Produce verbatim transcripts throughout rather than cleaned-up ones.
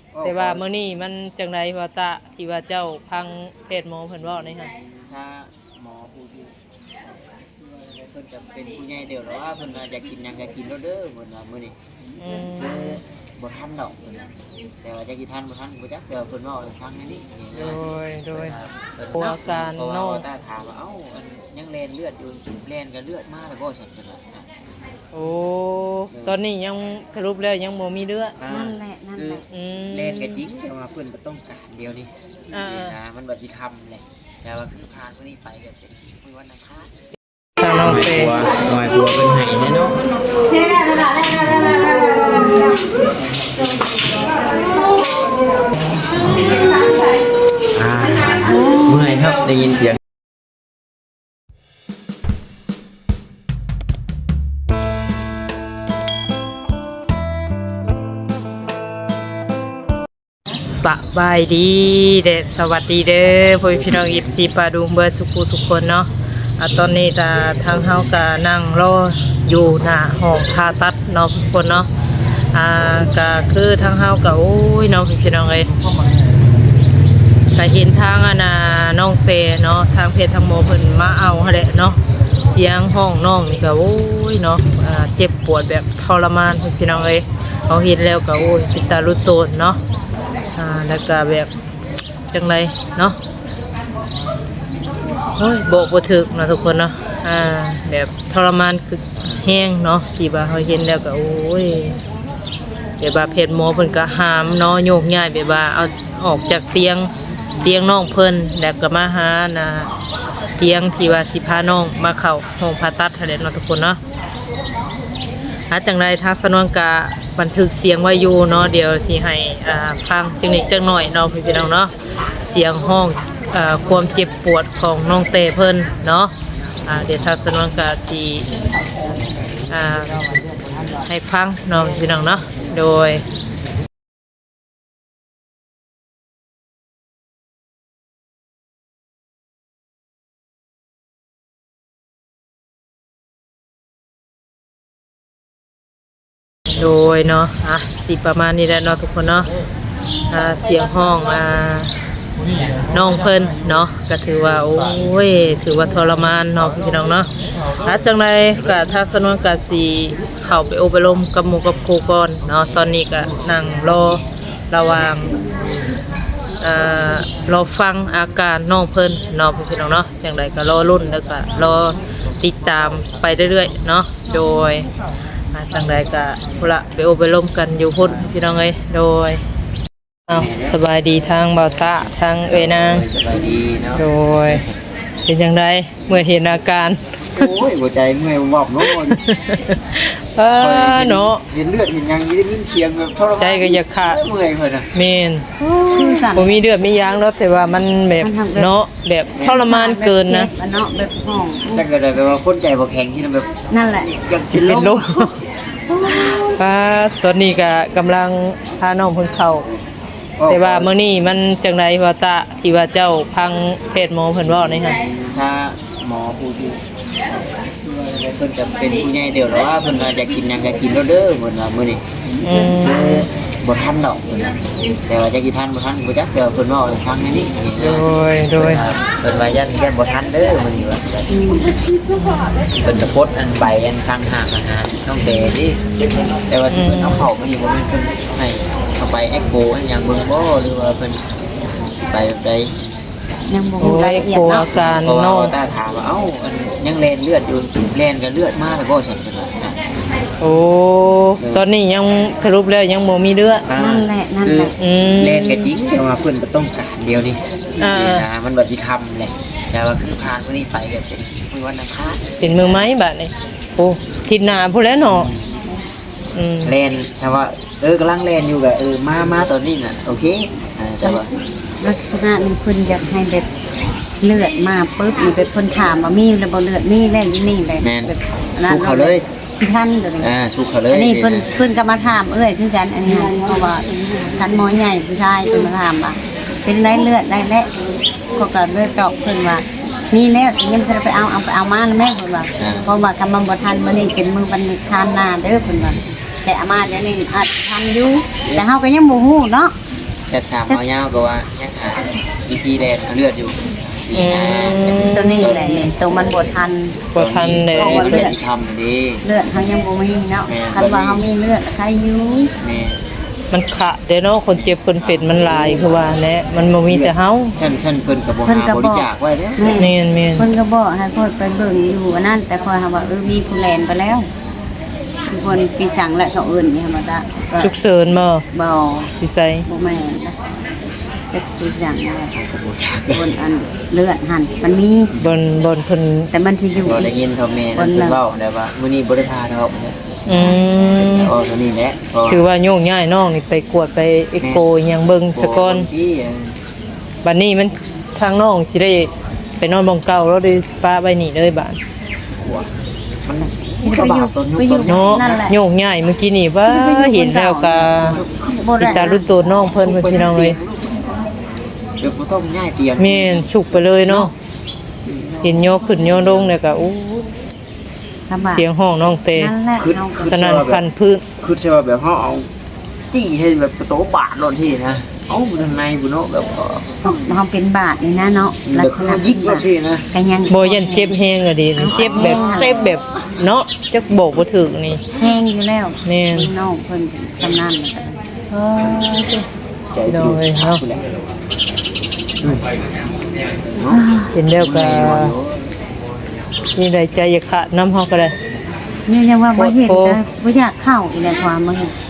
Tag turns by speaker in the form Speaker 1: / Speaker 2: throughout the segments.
Speaker 1: แต่ว่ามื้อนี้มันจังไดว่าตะที่ว่าเจ้าพังเพจหมอเพิ่นเว้านี่ฮะ
Speaker 2: ถ้าหมอผู้ที่เพิ่นจะเป็นผู้ใหญ่เดียวหรอว่าเพิ่นอยากกินหยังก็กินแล้วเด้อเพิ่นว่ามื้อนี้
Speaker 1: อืม
Speaker 2: คือบ่ทันดอกเพิ่นแต่ว่าจะกินทันบ่ทันบ่จักแต่เพิ่นเว้าทางนี้
Speaker 1: โดยโดย
Speaker 2: โอาการเนาะตาถามว่าเอ้ายังแล่นเลือดอยู่แล่นก็เลือดมาแล้วบ่ซั่นเพิ่นว่า
Speaker 1: โอ้ตอนนี้ยังสรุปแล้วยังบ่มีเลือด
Speaker 3: นั่นแหละนั่นแหละ
Speaker 2: แล่นก็จริงแต่ว่าเพิ่นบ่ต้องการเดียวนี่อ่ามันบ่สิคำแหละแต่ว่าคือผ่านมื้อนี้ไปก็เป็นมื้อวันอังคาร
Speaker 1: ทางน้องเต
Speaker 2: หน่อยตัวเป็นไห้แน่เนาะเมื่อยครับได้ยินเสียง
Speaker 1: สบายดีเด้อสวัสดีเด้อพ่อพี่น้อง เอฟ ซี ปาดุงเบิดสุขุสุขคนเนาะอ่ะตอนนี้ตาทางเฮาก็นั่งรออยู่หน้าห้องผ่าตัดเนาะทุกคนเนาะอ่าก็คือทางเฮาก็โอ้ยน้องพี่น้องเอ้ยก็เห็นทางอ่ะนะน้องเตเนาะทางเพจทางหมอเพิ่นมาเอาหั่นแหละเนาะเสียงห้องน้องนี่ก็โอ้ยเนาะอ่าเจ็บปวดแบบทรมานพี่น้องเอ้ยเขาเห็นแล้วก็โอ้ยเป็นตาลุโตนเนาะอ่าแล้วก็แบบจังไรเนาะโอ้ยโบกบ่ถึกนะทุกคนเนาะอ่าแบบทรมานคือแห้งเนาะที่ว่าเขาเห็นแล้วก็โอ้ยแบบว่าเพจหมอเพิ่นก็หามเนาะโยกย้ายแบบว่าเอาออกจากเตียงเตียงน้องเพิ่นแล้วก็มาหานะเตียงที่ว่าสิพาน้องมาเข้าห้องผ่าตัดหั่นแหละเนาะทุกคนเนาะหาจังไรทางสนวนกะบันทึกเสียงไว้อยู่เนาะเดี๋ยวสิให้อ่าฟังจังนิดจังหน่อยเนาะพี่น้องเนาะเสียงห้องอ่าความเจ็บปวดของน้องเตเพิ่นเนาะอ่าเดี๋ยวทางสนวนกะสิอ่าให้ฟังเนาะพี่น้องเนาะโดยโดยเนาะอ่ะสิประมาณนี้แหละเนาะทุกคนเนาะอ่าเสียงห้องอ่าน้องเพิ่นเนาะก็ถือว่าโอ้ยถือว่าทรมานเนาะพี่น้องเนาะถ้าจังไรก็ถ้าสนวนก็สิเข้าไปอบรมกับหมู่กับครูก่อนเนาะตอนนี้ก็นั่งรอระหว่างอ่ารอฟังอาการน้องเพิ่นเนาะพี่น้องเนาะจังไรก็รอรุ่นแล้วก็รอติดตามไปเรื่อยๆเนาะโดยจังใดก็พุ่นละไปอบรมกันอยู่พุ่นพี่น้องเอ้ยโดยอ้าวสบายดีทางบ่าวตะทางเอ้ยนาง
Speaker 2: สบายดีเนาะ
Speaker 1: โดยเป็นจังไดเมื่อเห็นอาการ
Speaker 2: โอ้ยหัวใจเมื่อยบอบเนาะ
Speaker 1: เออเนาะ
Speaker 2: เห็นเลือดเห็นยังได้ยินเสียงแบบทรมาน
Speaker 1: ใจก็อยากขาด
Speaker 2: เมื่อยเพิ่นน่ะ
Speaker 1: แม่นบ่มีเลือดมียางแล้วแต่ว่ามันแบบเนาะแบบทรมานเกินนะ
Speaker 3: เนาะแบบห้อง
Speaker 2: จังก็ได้แบบว่าคนใจบ่แข็งที่แบบ
Speaker 3: นั่นแหละ
Speaker 2: อยากสิ
Speaker 1: เป็นลมป้าตอนนี้ก็กำลังพาน้องเพิ่นเข้าแต่ว่ามื้อนี้มันจังไดว่าตะที่ว่าเจ้าพังเพจหมอเพิ่นเว้านี่ฮะ
Speaker 2: ถ้าหมอผู้ที่เพิ่นจะเป็นผู้ใหญ่เดียวหรอว่าเพิ่นอยากกินหยังก็กินแล้วเด้อเพิ่นว่ามื้อนี้
Speaker 1: อืม
Speaker 2: คือบ่ทันดอกเพิ่นแต่ว่าจะกินทันบ่ทันบ่จักแต่เพิ่นเว้าทางนี้
Speaker 1: โดยโดย
Speaker 2: เพิ่นว่ายันยันบ่ทันเด้อมื้อนี้ว่าเพิ่นจะโพสต์อันใบอันข้างหาอาหารน้องเดดิแต่ว่าเพิ่นเอาเข้ามาอยู่บ่มีเพิ่นให้เข้าไปเอ็กโกอันหยังเบิ่งบ่หรือว่าเพิ่นไปแบบใด
Speaker 3: ยังบ่รู้รายละเอียดเนาะ
Speaker 1: อาการ
Speaker 2: เนาะตาถามว่าเอ้ายังแล่นเลือดอยู่แล่นก็เลือดมาแล้วบ่ซั่นซั่นน่ะ
Speaker 1: โอ้ตอนนี้ยังสรุปแล้วยังบ่มีเลือด
Speaker 3: นั่นแหละนั่นแหละ
Speaker 2: แล่นก็จริงแต่ว่าเพิ่นบ่ต้องการเดียวนี่อ่ามันบ่สิคำแหละแต่ว่าคือผ่านมื้อนี้ไปก็เป็นมื้อวันอังคาร
Speaker 1: เป็นมื้อไม้บัดนี้โอ้ทิศหน้าพุ่นแล้วเนาะอืม
Speaker 2: แล่นแต่ว่าเออกำลังแล่นอยู่ก็เออมามาตอนนี้น่ะโอเคอ่าแต่ว่า
Speaker 3: ลักษณะนี้เพิ่นอยากให้แบบเลือดมาปึ๊บนี่เป็นคนถามว่ามีระบบเลือดนี่แล่นที่นี่เลย
Speaker 2: แบบสู้เขาเลย
Speaker 3: สิท่านเดี๋ยวนี้
Speaker 2: อ่าสู้เขาเลย
Speaker 3: อันนี้เพิ่นเพิ่นก็มาถามเอ้ยคือกันอันนี้เพราะว่าท่านหมอใหญ่ผู้ชายเพิ่นมาถามว่าเป็นไรเลือดได้แล้วก็ก็เลยตอบเพิ่นว่ามีแล้วยังจะไปเอาเอาไปเอามาแม่เพิ่นว่าเพราะว่าคำมันบ่ทันมื้อนี้เป็นมื้อวันทานหน้าเด้อเพิ่นว่าแต่อามาเดี๋ยวนี้อาจทันอยู่แต่เฮาก็ยังบ่ฮู้เนาะ
Speaker 2: แต่ถามหมอยาวก็ว่ายังหาวิธีแดนเอาเลือดอยู่สี่
Speaker 1: อื
Speaker 2: ห้าม
Speaker 3: ตัวนี้แหละนี่ตัวมันบ่ทัน
Speaker 1: บ่ทันเลย
Speaker 2: ตัวนี้เป็นทำดี
Speaker 3: เลือดเขายังบ่มีเนาะคันว่าเขามีเลือดใครอยู่
Speaker 2: แม่
Speaker 1: มันขะเด้เนาะคนเจ็บคนเป็นมันหลายคือว่าแหละมันบ่มีแต่เฮา
Speaker 2: ฉันฉันเพิ่นกับบ่หาบริจาคไว้เด้อ
Speaker 3: แม่
Speaker 1: แม่นแม่น
Speaker 3: เพิ่นก็บอกให้ค่อยไปเบิ่งอยู่อันนั้นแต่ค่อยหาว่าเออมีผู้แลนไปแล้วมีคนปีสั่งและเขาเอื่นนี่ธรรมดาก็
Speaker 1: ฉุกเฉินบ่
Speaker 3: บ่
Speaker 1: สิใส่
Speaker 3: บ่แม่นนะแต่ปีสั่งแล้วคนอันเลือดหันมันมี
Speaker 1: บนบนเพิ่น
Speaker 3: แต่มันสิอยู่
Speaker 2: บ่
Speaker 3: อี
Speaker 2: ได้
Speaker 3: ก
Speaker 2: ยินเขาแม่นั่นเพิ่นเว้าได้ว่ามื้อนี้บ่ได้ทาดอกเนี่ย
Speaker 1: อืม
Speaker 2: อ๋อตัวนี้แหละ
Speaker 1: ถือว่าโยกย้ายน้องนี่ไปกวดไปเอ็กโกอิหยังเบิ่งซะก่อนบัดนี้มันทางน้องสิได้ไปนอนบ่งเก่าแล้วได้สปาไว้นี่เลยบาด
Speaker 2: มัน
Speaker 3: สิไปอยู่ไปอยู่
Speaker 1: เนาะ
Speaker 3: นั่นแหละ
Speaker 1: โยกย้ายเมื่อกี้นี่ว่าเห็นแล้วก็
Speaker 3: บ่
Speaker 1: ติด
Speaker 3: ได้
Speaker 1: ตารุ่นโตน้องเพิ่นเพิ่นพี่น้องเอ้ย
Speaker 2: เดี๋ยวบ่ต้องง่ายเตียง
Speaker 1: แม่นสุกไปเลยเนาะเห็นโยกขึ้นโยลงแล้วก็อู้
Speaker 3: ลำบาก
Speaker 1: เสียงห้องน้องเต
Speaker 3: นั่นแหละเอา
Speaker 1: สนั่นพันพื้น
Speaker 2: คือใช่ว่าแบบเฮาเอาจี้ให้แบบประตูบาดโดนที่นะเอ้าทางในบุเนาะแบบก็
Speaker 3: เฮาเป็นบาดนี่นะเนาะลั
Speaker 2: แบ
Speaker 3: ก
Speaker 2: บ
Speaker 3: ษณะ
Speaker 2: ยิงโดนที่นะ
Speaker 3: ก็ยัง
Speaker 1: บ่ยันเจ็บแฮงอะดิเจ็บแบบเจ็บแบบเนาะจักโบกบ่ถึกนี่
Speaker 3: แห้งอยู่แล้ว
Speaker 1: แม่น
Speaker 3: น้องเพิ่นชำนาญแล้วก็
Speaker 2: ใจสิ
Speaker 1: เนาะ
Speaker 2: แหละ
Speaker 1: เห็นแล้วก็นี่ได้ใจอยากขาดน้ำเฮาก็ได้
Speaker 3: เนี่ยยังว่าบ่เห็น
Speaker 1: โอ้
Speaker 3: นะบ่อยากเข้าอีกแล้วความบ่เห็น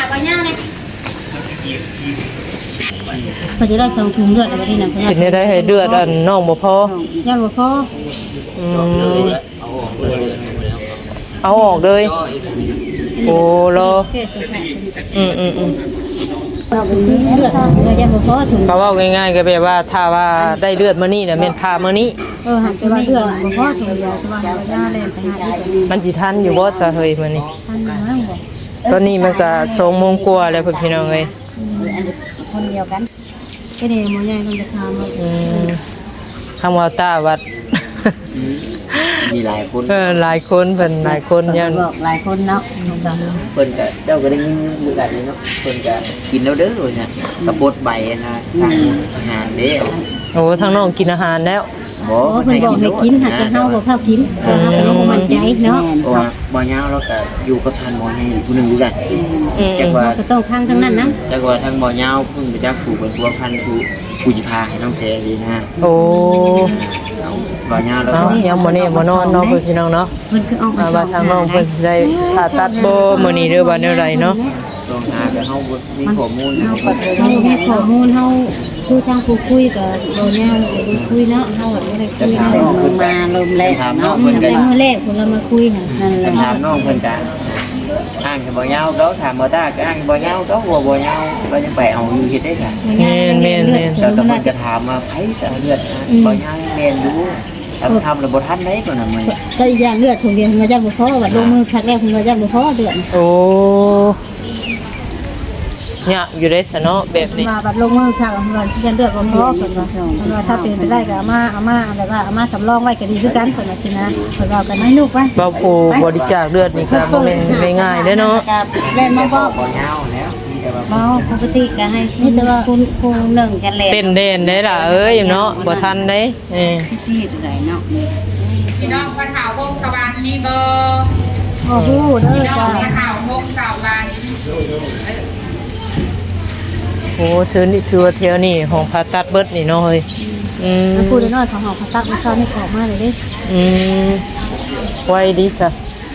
Speaker 4: พอจะได้สองถุงเลือดอะไรที่นั่นเพื่
Speaker 1: เห็นได้ได้ให้เลือดอันน้องบ่พอ
Speaker 4: ย่างบ่พอ
Speaker 1: อืมเอาออกเลย โอ้รอ
Speaker 4: แค่สองแผล
Speaker 1: อืมอืมอืม
Speaker 4: เราไปซื้อเลือดเราย่างบ่พอถุง
Speaker 1: ก็เว่าง่ายๆก็แบบว่าถ้าว่าได้เลือดมื้อนี้น่ะแม่นพามื้อนี้
Speaker 4: เออหันไปว่าเลือดบ่พอถุงเดียวแต่ว่าเราย่าเลยไปหาอีก
Speaker 1: มันสิทันอยู่บ่ซะเฮ้ยมื้อนี้
Speaker 4: ท่านนั่งบ่
Speaker 1: ตอนนี้มันก็สองโมงกว่าแล้วเพิ่นพี่น้องเอ้ย
Speaker 3: คนเดียวกัน
Speaker 4: ก็ได้หมอใหญ่ต้องไปทำว่า
Speaker 1: อืมคำว่าตาวัด
Speaker 2: มีหลายคน
Speaker 1: เออหลายคนเพิ่นหลายคนยัง
Speaker 3: บอกหลายคนเนาะ
Speaker 2: เพิ่นก็เจ้าก็ได้ยินอยู่กันเนาะเพิ่นก็กินแล้วเด้อเลยเนี่ยกระบดใบนะทางอาหารเด้อ
Speaker 1: โอ้ทางน้องกินอาหารแล้ว
Speaker 2: บ่
Speaker 4: โอ้เพิ่นบอกให้กินหากจะเฮาบ่เข้ากินเฮาก็บ่มั่นใจเนาะ
Speaker 2: เพราะว่าบ่ยาวแล้วก็อยู่กับท่านหมอให้ผู้หนึงอยู่กัน
Speaker 1: อืม
Speaker 2: จักว่า
Speaker 4: ก็ต้องทางทั้งนั้นนะ
Speaker 2: จักว่าทางบ่ยาวเพิ่นไปจักผู้เป็นผัวพันผู้ผู้สิพาให้น้องแพรดีนะ
Speaker 1: โอ้
Speaker 2: บ่ยาวแล้ว
Speaker 1: เอ้า
Speaker 2: ก็
Speaker 1: ยังบ่แน่บ่นอนเนาะเพิ่นพี่น้องเนาะ
Speaker 4: เพิ่นคือเอา
Speaker 1: อ่าว่าทางน้องเพิ่นสิได้ผ่าตัดบ่มื้อนี้หรือว่าแนวใดเนาะ
Speaker 2: ลองหาแต่เฮาบ่มีข้อมูล
Speaker 4: เฮามีข้อมูลเฮาคือทางผู้คุยกับบ่ย่างได้คุยเนาะเฮาบ่ได้คุย
Speaker 3: แต่
Speaker 4: เนาะ
Speaker 3: มือมาลมแรง
Speaker 2: ถามน้อ
Speaker 3: เนาะ
Speaker 2: งเพิ่น
Speaker 4: แต่
Speaker 2: ก็
Speaker 4: มื้อแรกเพิ่นเรามาคุยหั่น
Speaker 3: นั่นแหละ
Speaker 2: ถามน้องเพิ่นก็อ้างบ่ยาวเขาถามบ่ตาก็อ้างบ่ยาวเขาบ่บ่ยาวเรายังไปเอาอยู่เฮ็ดได้ค่ะ
Speaker 1: แม่นแม่นแม่น
Speaker 2: แต่ตำรวจจะถามว่าไผจะเลือดบ่ยาวแม่นอยู่ทำทำแล้วบ่ทันได้ก่อนน่ะมัน
Speaker 4: ก็อีกอย่างเลือดถุงเดียวมันจะบ่พอว่าลงมือครั้งแรกมันจะบ่พอเดือน
Speaker 1: โอ้เนี่ยอยู่ได้ซะเนาะแบบนี้
Speaker 4: มาบัดลงมือครั้งว่าที่จะเลือดบ่พอเพิ่นว่าเพิ่นว่าถ้าเป็นไปได้ก็เอามาเอามาแบบว่าเอามาสำรองไว้ก็ดีคือกันเพิ่นว่าสินะเพิ่นว่ากันให้ลูกไว้
Speaker 1: บ่ผู้บริจาคเลือดนี่ก็บ่แม่นไม่ง่ายเด้อเนาะ
Speaker 3: เล่นมาบอก
Speaker 2: บ่ยาวแล้วมีแต่ว่า
Speaker 3: เมาปกติก็ให้นี่แต่ว่าคุณครูหนึ่งกันเลย
Speaker 1: เต้นเด่นได้ล่ะเอ้ยเนาะบ่ทันได้เออ
Speaker 3: ชีดอะไรเนาะ
Speaker 5: พี่น้องคนข่าววงสวรรค์มีเบอร์
Speaker 4: โอ้โหเด้อ
Speaker 5: พี่น้อง
Speaker 4: จ้า
Speaker 5: คนข่าววงสวรรค์
Speaker 1: โอ้ถือนี่ถือว่าเที่ยวนี่ห้องผ่าตัดเบิดนี่เนาะเฮ้ยอืม
Speaker 4: มันพูดน้อยของเฮาเขาตักมาเข้านี่ออกมาเลยเด้
Speaker 1: อืมไว้ดีซะ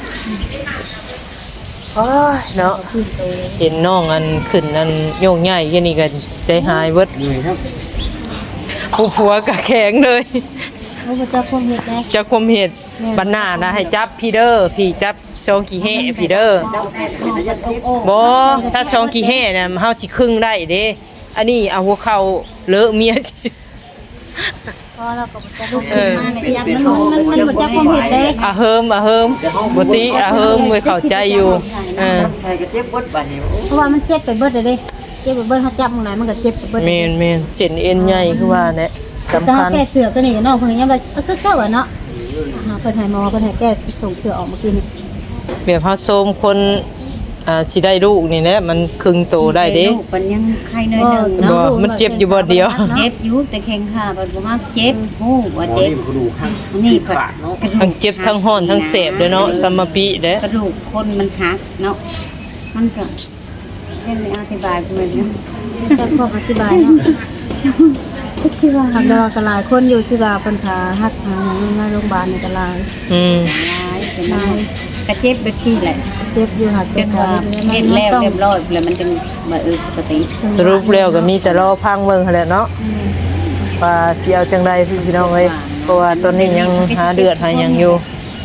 Speaker 1: โอ้ยเนาะเห็นน้องอันขึ้นอันโยกใหญ่แค่นี้ก็ใจหายเบิด
Speaker 2: เหนื่อยครับ
Speaker 1: ผู้ผัวก็แข็งเลย
Speaker 4: โอ้บ่จักความเฮ็ดแน่
Speaker 1: จะคมเหตุบันหน้านะให้จับพี่เด้อพี่จับซองกี่แห่พี่เด้อ
Speaker 2: เจ้าแท้เป็นระยะทิพย์
Speaker 1: บ่ถ้าซองกี่แห่น่ะเฮาสิครึ่งได้เด้อันนี้เอาหัวเข่าเลอะเมีย
Speaker 4: พอเราก็บ่จักลูกมาในยันมันมันมันบ่จักความเฮ็ดเด้
Speaker 1: อะเฮิมอะเฮิมบ่ติอะเฮิมไม่เข้าใจอยู่เออ
Speaker 2: ใช่ก็เจ็บปวดบัดนี้
Speaker 4: เพราะว่ามันเจ็บไปเบิดเลยเด้เจ็บไปเบิดเฮาจับตรงไหนมันก็เจ็บไปเบิด
Speaker 1: แม่นแม่นเส้นเอ็นใหญ่คือว่าแหละสำ
Speaker 4: แต่
Speaker 1: คั
Speaker 4: เฮา
Speaker 1: ญ
Speaker 4: แก้เสือก็นี่น้องเพิ่นยังว่าก็เก่าอ่ะเนาะเพิ่นให้หมอเพิ่นให้แก้ส่งเสือออกเมื่อกี้นี่
Speaker 1: แบบเฮาโซมคนอ่าสิได้ลูกนี่แหละมันครึ่งโตได้เด้
Speaker 3: ลูกมันยังไข้น้อยหนึง
Speaker 1: บ่
Speaker 3: เนาะ
Speaker 1: มันเจ็บอยู่บ่เดียว
Speaker 3: เจ็บอยู่แต่แข้งขาบ่บ่มากเจ็บฮู้ว่า
Speaker 2: หมอ
Speaker 3: เจ็บ
Speaker 2: นี่มันก็ดูข้าง
Speaker 3: นี่
Speaker 2: ขาดเนาะ
Speaker 3: กระดูก
Speaker 1: ทั้งเจ็บทั้งฮ้อนทั้งแสบเด้อเนาะสมปิเด้อก
Speaker 3: ระดูกคนมันหักเนาะมันก็ยังไม่อธิบายเพิ่นเนาะ
Speaker 4: จะขออธิบายเนาะคิดว่าทำได้ว่ากระลายคนอยู่ที่ว่าปัญหาหักหาอย่างในโรงพยาบาลในกระลาย
Speaker 1: อืม
Speaker 3: ร้ายเป็นร้ายกระเจ็บแบบที่แหละ
Speaker 4: เจ็บอยู่หัก
Speaker 3: จนว่าเห็นแล้วเรียบร้อยแล้วมันจึงมาเออปกติ
Speaker 1: สรุปแล้วก็มีแต่รอพังเบิ่งหั่นแหละเนาะว่าสิเอาจังไดพี่น้องเอ้ยเพราะว่าตอนนี้ยังหาเดือดหาหยังอยู่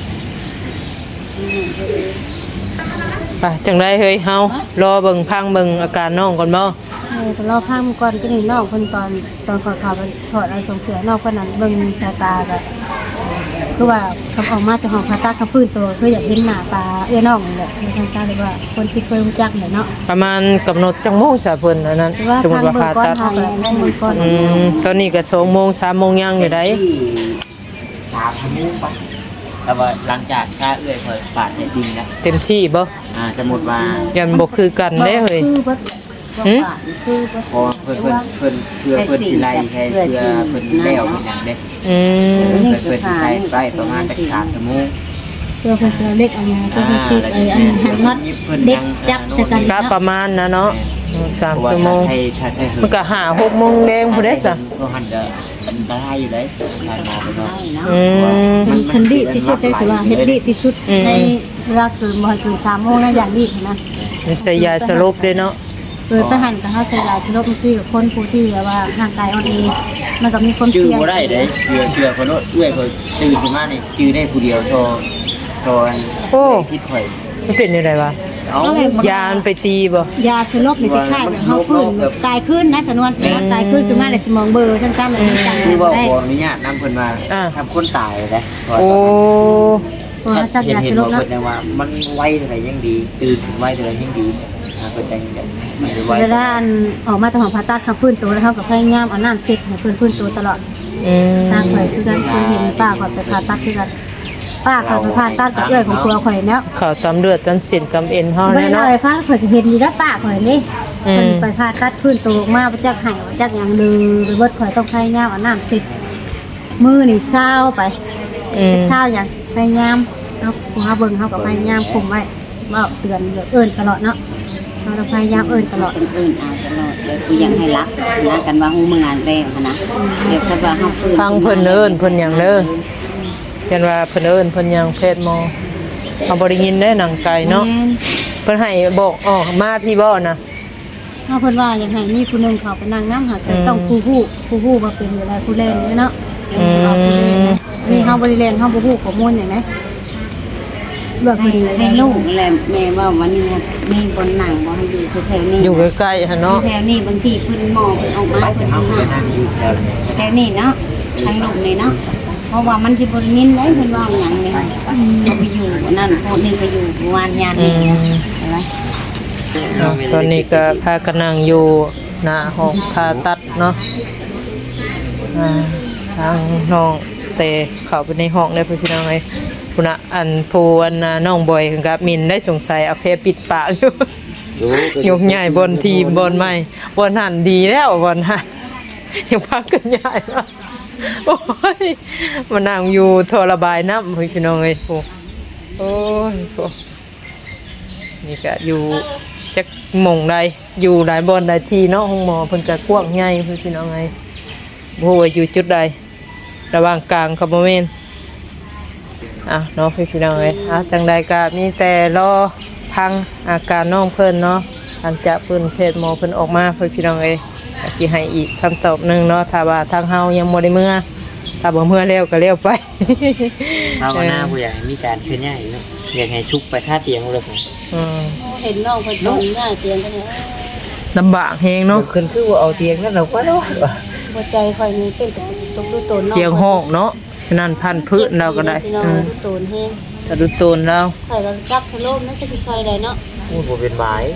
Speaker 1: ไปจังไดเฮ้ยเฮารอเบิ่งพังเบิ่งอาการน้องก่อนบ่
Speaker 4: เออแต่รอพังก่อนก็นี่นอกคนตอนตอนขอข่าวถอดอะไรส่งเสือนอกคนนั้นเบิ่งสายตาก็คือว่าคำออกมาจากห้องผ่าตัดเขาฟื้นตัวคืออยากเห็นหน้าตาเอื้อน้องนี่แหละในทางการเลยว่าคนที่เคยรู้จักเนี่ยเนาะ
Speaker 1: ประมาณกำหนดจังโมงซะเพิ่นอันนั้น
Speaker 4: ว่า
Speaker 1: สมมุ
Speaker 4: ทาง
Speaker 1: ติว่า
Speaker 4: เบิ่ง
Speaker 1: ผ่า
Speaker 4: ก้อน
Speaker 1: ตัด
Speaker 4: ทางเบิ่งก้อน
Speaker 1: อืมตอนนี้ก็สองโมงสามโมงยังอยู่ได้
Speaker 2: ที่สามชั่วโมงปะแต่ว่าหลังจากค่าเอื้อยเพิ่นปาดให้ดินนะ
Speaker 1: เต็มที่บ่
Speaker 2: อ่าสมมุติว่า
Speaker 1: ยันบ่คือกันเด้เฮ้ย
Speaker 4: คือว่า
Speaker 1: หืม
Speaker 3: คือว่า
Speaker 2: พอเพิ่นเพิ่นเพิ่นเพื่อเพิ่นสิไล่ให้เพื่อเพิ่นแล้วเพิ่นหยังเด้
Speaker 1: อืม
Speaker 2: เพิ่นเพิ่นสิใช้ไปประมาณจักสามชั่วโมง
Speaker 4: เพื่อเพื่อเล็กเอามาเพื่อซีไอ้อันนี้หันน็อตเด็กจับใส่กัน
Speaker 1: ก็ประมาณนะเนาะสาม
Speaker 2: เพราะว่า
Speaker 1: ชั่วโมง
Speaker 2: ถ้าใช้ถ้าใช้เหิ
Speaker 1: มันก็หาหกโมงแดงพุ่นได้ซะ
Speaker 2: ก็หันจะอันตรายอยู่เลยทางหมอไปเนาะ
Speaker 1: อืม
Speaker 4: มันคันดีที่สุดได้ถือว่าเฮ็ดดีที่สุดในเวลาเกินบ่ให้เกินสามโมงนะอย่างดีนะ
Speaker 1: นี่ใส่ยาสลบเด้เนาะ
Speaker 4: เออทหารกับเฮาใช้หลายชนบางทีกับคนผู้ที่แบบว่าร่างกายอ่อนแอมันก็มีความ
Speaker 2: จื้อ
Speaker 4: เสี่ยง
Speaker 2: บ่ได้เด้เชื่อเชื่อคนโน้นเอื้อยเขาตื่นขึ้นมานี่จื้อได้ผู้เดียวโทรโทรอัน
Speaker 1: โอ้
Speaker 2: คิดข่อย
Speaker 1: มันเป็นยังไงวะ
Speaker 2: เอา
Speaker 1: ยามันไปตีบ่
Speaker 4: ยาชนบนี่คล้ายๆแบบเฮาฟื้นแบบตายขึ้นนะสนวนตายขึ้นขึ้นมาในสมองเบลอซั่นๆมันจัง
Speaker 2: คือว่า
Speaker 4: ได้
Speaker 2: ขออนุญาตนำเพิ่นมาทำคนตายเลย
Speaker 1: โอ้
Speaker 4: เพราะว่าสัก
Speaker 2: เห็น
Speaker 4: ยา
Speaker 2: เห็
Speaker 4: ช
Speaker 2: น
Speaker 4: น
Speaker 2: ว่า
Speaker 4: บเนาะ
Speaker 2: เพิ่นยังว่ามันไวเท่าไหร่ยังดีตื่นไวเท่าไหร่ยังดีอ่าเพิ่นจังแบบมันไว
Speaker 4: เวลาอันออกมาจากห้องผ่าตัดเขาฟื้นตัวแล้วเขาก็พยายามเอาน้ำเช็ดให้เพิ่นฟื้นตัวตลอด
Speaker 1: อืม
Speaker 4: สร้างข่อยคือกันเคยเห็นป้าข่อยไปผ่าตัดคือกันป้าข่อยไปผ่าตัดกับเอื้อยของครัวข่อยแล้ว
Speaker 1: ข่าวตำเลือดตันเส้นกำเอ็นเฮา
Speaker 4: ไม่
Speaker 1: แน่
Speaker 4: ได้
Speaker 1: เนาะ
Speaker 4: ไปฟ้าข่อยก็เห็นอยู่แล้วป้าข่อยนี่
Speaker 1: อืม
Speaker 4: เพิ่นไปผ่าตัดฟื้นตัวออกมาบ่จักไห้บ่จักหยังดื้อไปเบิดข่อยต้องพยายามเอาน้ำเช็ดมือนี่เศร้าไป
Speaker 1: อืม
Speaker 4: เศร้าหยังพยายามเนาะผู้หาเบิ่งเฮาก็พยายามคุมไว้เว้าเตือนเอิ้นตลอดเนาะเราต้องพยายามเอิ้นตลอด
Speaker 3: คนอื่นเอาตลอดเลยกูยังให้รักนะกันว่าฮู้มึงงานแรงนะเดี๋ยวถ้าว่าเฮาฟื้น
Speaker 1: ฟังเพิ่นเอิ้นเพิ่นหยังเด้อยันว่าเพิ่นเอิ้นเพิ่นหยังเพศหมอเอาบ่ได้ยินได้หนังไก่เนาะเพิ่นให้บอกออกมาพี่บ่นะ
Speaker 4: เฮาเพิ่นว่าอยากให้มีผู้หนึงเข้าไปนั่งนำหาแต่ต้องผู้ฮู้ผู้ฮู้ว่าเป็นอะไรผู้เล่นเนาะ
Speaker 1: อืม
Speaker 4: เอาผู้เล่นนะนี่เฮาบ่ได้เล่นเฮาบ่ฮู้ข้อมูลหยังไดเลือก
Speaker 3: ให้
Speaker 4: เพิ่น
Speaker 3: ให้ลูกแหละแม่ว่าวันนี้มีบนหนังบ่ให้อยู่แถวนี้
Speaker 1: อยู่ใกล้ๆหั่นเนาะ
Speaker 3: แถวนี้บางทีเพิ่นหมอเพิ่นออกมาเพิ่น
Speaker 2: เอา
Speaker 3: หา
Speaker 2: ไปนั่งอยู่แถวนี้
Speaker 3: แถวนี้เนาะทางลูกนี่เนาะเพราะว่ามันสิบ่ได้ยินได้เพิ่นว่าหยังนี่เขาไปอยู่นั่นพวกนี้ไปอยู่วานยาน
Speaker 1: อื
Speaker 3: นี่
Speaker 1: ม
Speaker 3: ใช่ไหม
Speaker 1: ตอนนี้ก็พากันนั่งอยู่หน้าห้องผ่าตัดเนาะอ่าทางน้องเตเข้าไปในห้องได้เพื่อนพี่น้องเลยคุณน่ะอันผู้อันน่ะน้องบอยกับมินได้สงสัยเอาเพปิดปากอยู่ ยกใหญ่บนทีมบนไม่บนหันดีแล้วบนหันยังพักกันใหญ่มากโอ้ยมานั่งอยู่ทรบายน้ำพี่น้องเลยโอ้โอ้ยโอ้นี่ก็อยู่จักหม่องใดอยู่หลายบนหลายทีเนาะห้องหมอเพิ่นก็กว้างใหญ่พี่น้องไงบ่ฮู้ว่าอยู่จุดใดระหว่างกลางกับบ่แม่นอ่ะเนาะพี่น้องเอ้ยอ่ะจังใดก็มีแต่รอพังอาการน้องเพิ่นเนาะหลังจากเพิ่นเพศหมอเพิ่นออกมาพี่น้องเอ้ยก็สิให้อีกคำตอบหนึงเนาะถ้าว่าทางเฮายังบ่ได้เมื่อถ้าบ่เมื่อแล้วก็แล้วไป
Speaker 2: ภาวนาผู้ใหญ่มีการเคลื่อนย้ายเนาะอยากให้ชุกไปท่าเตียงเลยผม
Speaker 1: อืม
Speaker 3: เห็นน้องเพิ่นโดนง่ายเสียงกันเนี่ย
Speaker 1: ลำบากแฮงเนาะ
Speaker 2: ขึ้นคือว่าเอาเตียงนั่นเราก็รอดว่ะ
Speaker 4: หัวใจข่อยนี่เต้นตกดูโตน
Speaker 1: เสียงห้องเนาะฉะนั้นพันพื้นเราก็ได้
Speaker 4: พี่น้อง
Speaker 1: อืม
Speaker 4: ดูโตนแฮง
Speaker 1: สะดุดโตนเรา
Speaker 4: ข่อยก็กลับสโลมนั่นสิซอยได้เนาะ
Speaker 2: พูดบ่เป็นหมาย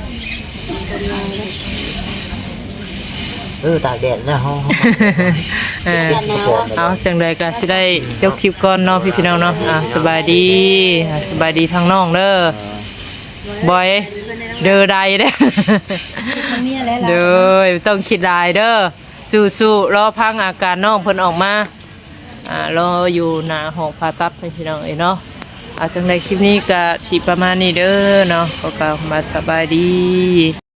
Speaker 2: เออตากแดดนะฮะ
Speaker 1: เออเอาจังใดก็สิได้เจ้าคลิปก่อนเนาะพี่พี่น้องเนาะอ่ะสบายดีอ่ะสบายดีทางน้องเด้อบ่อยเด้อใดเด้อ
Speaker 4: มันมีอะไรล่ะ
Speaker 1: เด้อต้องคิดหลายเด้อสู้ๆรอพังอาการน้องเพิ่นออกมาอ่ารออยู่หน้าห้องผ่าตัดให้พี่น้องเอ้ยเนาะอาจังไดคลิปนี้ก็สิประมาณนี้เด้อเนาะก็กล่าวมาสบายดี